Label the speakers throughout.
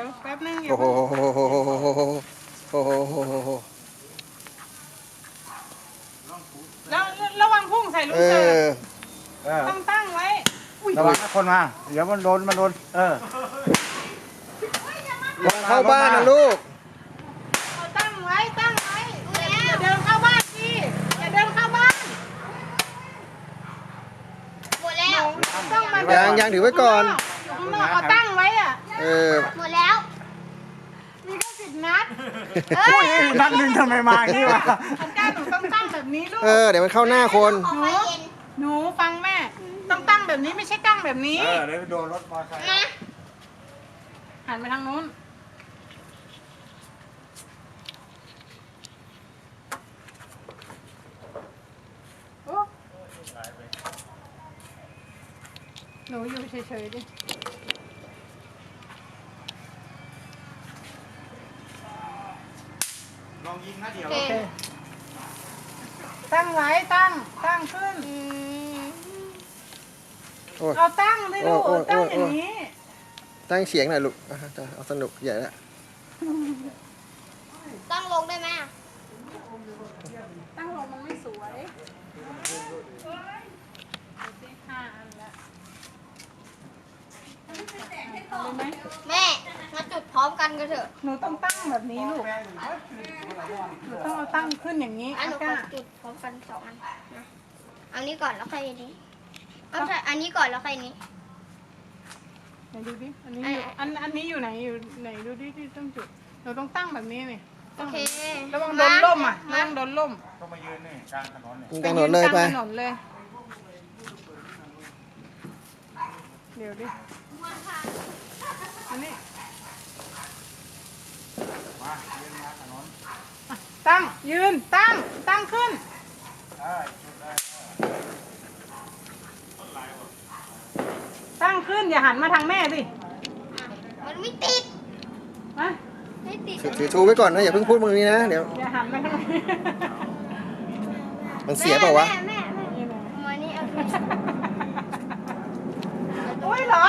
Speaker 1: แป๊บนึง
Speaker 2: โอ้โหโอ้โห
Speaker 1: แล้วระวังพุ่งใส่ลูกเสือต้องตั้งไว้
Speaker 3: ระวังนะคนมาเดี๋ยวมันโดน
Speaker 2: เข้าบ้านนะลูก
Speaker 1: เอาตั้งไว้อย่าเดินเข้าบ้านสิอย่าเดินเข้าบ้าน
Speaker 4: หมดแล้ว
Speaker 1: ต้องมา
Speaker 2: ยังถือไว้ก่อน
Speaker 1: อยู่ข้างนอกเอาตั้งไว้อ่ะ
Speaker 4: หมดแล้ว
Speaker 1: มีแค่10 นัด
Speaker 3: นัดหนึ่งทำไมมาอย่างนี้วะ
Speaker 1: อันก้าหนูต้องตั้งแบบนี้ลูก
Speaker 2: เดี๋ยวมันเข้าหน้าคน
Speaker 4: ออกไปเย็น
Speaker 1: หนูฟังแม่ต้องตั้งแบบนี้ไม่ใช่ตั้งแบบนี้
Speaker 3: เดี๋ยวโดนรถมอเตอร์ไซค์
Speaker 4: นะ
Speaker 1: หันไปทางนู้นโอ้หนูอยู่เฉยๆดิ
Speaker 3: ลองยิงนะเดี๋ยว
Speaker 4: โอเค
Speaker 1: ตั้งไว้ตั้งขึ้น เอาตั้งเลยลูกตั้งอย่างนี้
Speaker 2: ตั้งเสียงหน่อยลูกเอาสนุกใหญ่ละ
Speaker 4: ตั้งลงได้ไหมอะ
Speaker 1: ตั้งลงมันไม่สวย5 อันละเอาเลยไหม
Speaker 4: แม่มาจุดพร้อมกันกันเถอะ
Speaker 1: หนูต้องตั้งแบบนี้ลูกหนูต้องเอาตั้งขึ้นอย่างนี้
Speaker 4: อันหนูข
Speaker 1: ก้า
Speaker 4: อจุดพร้อมกัน2 อันนะเอานี้ก่อนแล้วค่อยอันนี้เอาใช่อันนี้ก่อนแล้วค่อยอันนี้
Speaker 1: ไหนดูดิอันนี้อยู่อันนี้อยู่ไหนดูดิที่ต้องจุดเราต้องตั้งแบบนี้นี่
Speaker 4: โอเค
Speaker 1: ระวังโดนล่มอ่ะระวังโดนล่ม
Speaker 3: ต้องมายืนนี่กลางถนนเนี่ย
Speaker 2: กลางถนนเลยไป
Speaker 1: กลางถนนเลยเดี๋ยวดิอันนี้
Speaker 3: มายืนมาถนน
Speaker 1: ตั้งยืนตั้งขึ้น
Speaker 3: จุดได้
Speaker 1: ตั้งขึ้นอย่าหันมาทางแม่สิ
Speaker 4: มันไม่ติด
Speaker 1: มา
Speaker 4: ไม่ติด
Speaker 2: ถือชูไว้ก่อนนะอย่าเพิ่งพูดมึงนี้นะเดี๋ยว
Speaker 1: อย่าหันมาทางนี้
Speaker 2: มันเสียเปล่าวะ
Speaker 4: แม่มานี่เอา
Speaker 1: โอ้ยร้อน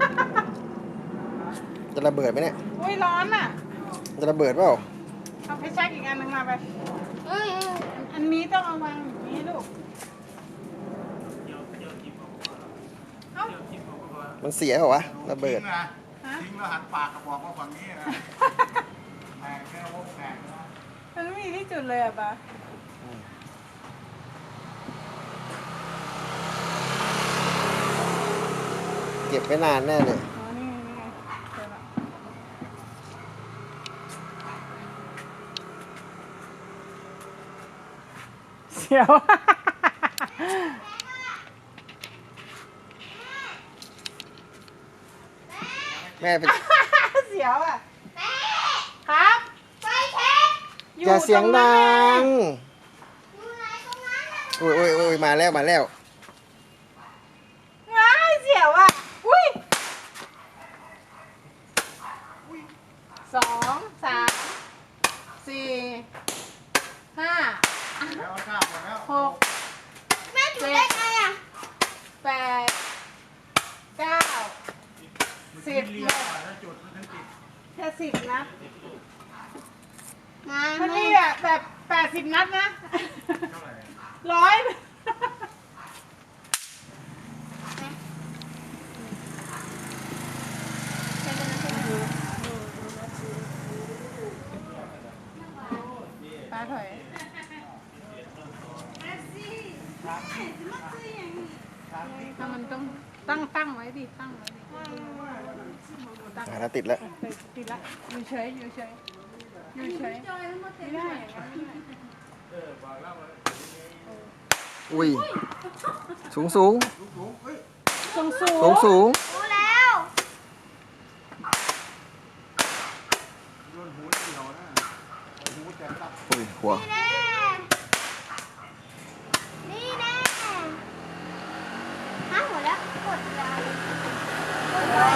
Speaker 2: จะระเบิดไหมเนี่ย
Speaker 1: โอ้ยร้อนอ่ะ
Speaker 2: จะระเบิดเปล่า
Speaker 1: เอาไปแช็กอีกอันหนึงมาไป
Speaker 4: เอ้ย
Speaker 1: อันนี้ต้องเอาวางอย่างนี้ลูกเอ้า
Speaker 2: มันเสียเปล่าวะระเบิ
Speaker 3: ทิ้
Speaker 2: ด
Speaker 3: งนะทิ้งแล้วหันปากกระบอกมาฝั่งนี้นะแตกแค่วงแตกนะ
Speaker 1: มันไม่มีที่จุดเลยอ่ะปะ
Speaker 2: เก็บไว้นานแน่เลย
Speaker 1: อ๋อนี่ไงเจอละเสียว
Speaker 2: แม่เป็น
Speaker 1: เสียวอ่ะครับ
Speaker 4: ไฟเช็ค
Speaker 2: อย่าเสียงดัง
Speaker 4: อยู่ไหนตรงนั้นน่ะ
Speaker 2: โอ้ยมาแล้ว
Speaker 1: ว้ายเสียวอ่ะอุ้ย2 3 4 5
Speaker 3: แล้วทราบหมดแล้ว
Speaker 1: 6
Speaker 4: แม่จุดได้ไงอ่ะ
Speaker 1: 8 9 10
Speaker 3: เรียกว่าแล้วจุดมันถึงติด
Speaker 1: แค่10 นัด
Speaker 4: มา
Speaker 1: มันนี่อ่ะแบบ80 นัดนะ
Speaker 3: เท่าไหร่
Speaker 1: ร้อย ป้าถอยถ้ามันต้องตั้งไว้ดิตั้งไว้ดิตั้ง
Speaker 2: แล้วติดแล้ว
Speaker 1: ติดละอยู่เฉยไม่ได้อย่างนั้นไม่ได้
Speaker 2: อุ้ยสูง
Speaker 1: สูง
Speaker 4: รู้แล้ว
Speaker 3: โดนหูเกี่ยวนะหูแตกตับ
Speaker 2: อุ้ยหัว
Speaker 4: แน่นี่แน่ฮะหมดแล้วกดยาวเลยกดเลย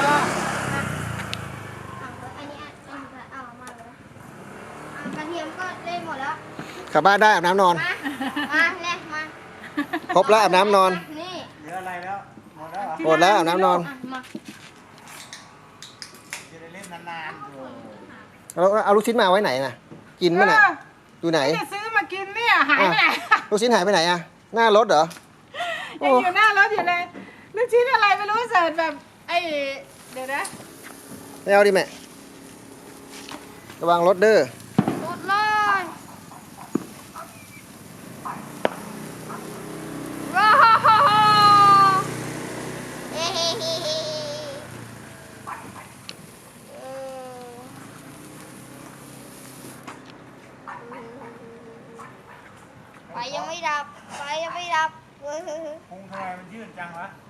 Speaker 4: อันนี้เอามาเลยกระเทียมก็เล่นหมดแล้ว
Speaker 2: กลับบ้านได้อาบน้ำนอน
Speaker 4: มาเล่นมา
Speaker 2: ครบแล้วอาบน้ำนอน
Speaker 4: นี่
Speaker 3: เหลืออะไรแล้วหมดแล้วเหรอ
Speaker 2: หมดแล้วอาบน้ำนอน
Speaker 3: จะได้เล่นนานๆอยู่
Speaker 2: แล้วเอาลูกชิ้นมาไว้ไหนนะกินมั้ยน่ะอยู่ไหน
Speaker 1: เนี่ยซื้อมากินเนี่ยหายไปไหน
Speaker 2: ลูกชิ้นหายไปไหนอะหน้ารถเหรอ
Speaker 1: ยังอยู่หน้ารถอยู่เลยลูกชิ้นอะไรไม่รู้เสิร์ชแบบไอ้เดี๋ยวนะ
Speaker 2: ไม่เอาดิแม่ระวังรถเด้อ
Speaker 4: รถเลยว้าวเฮ้เฮ้เฮ้เฮ้ไฟยังไม่ดับไฟยังไม่ดับ
Speaker 3: คงทำไมมันยืดจังวะ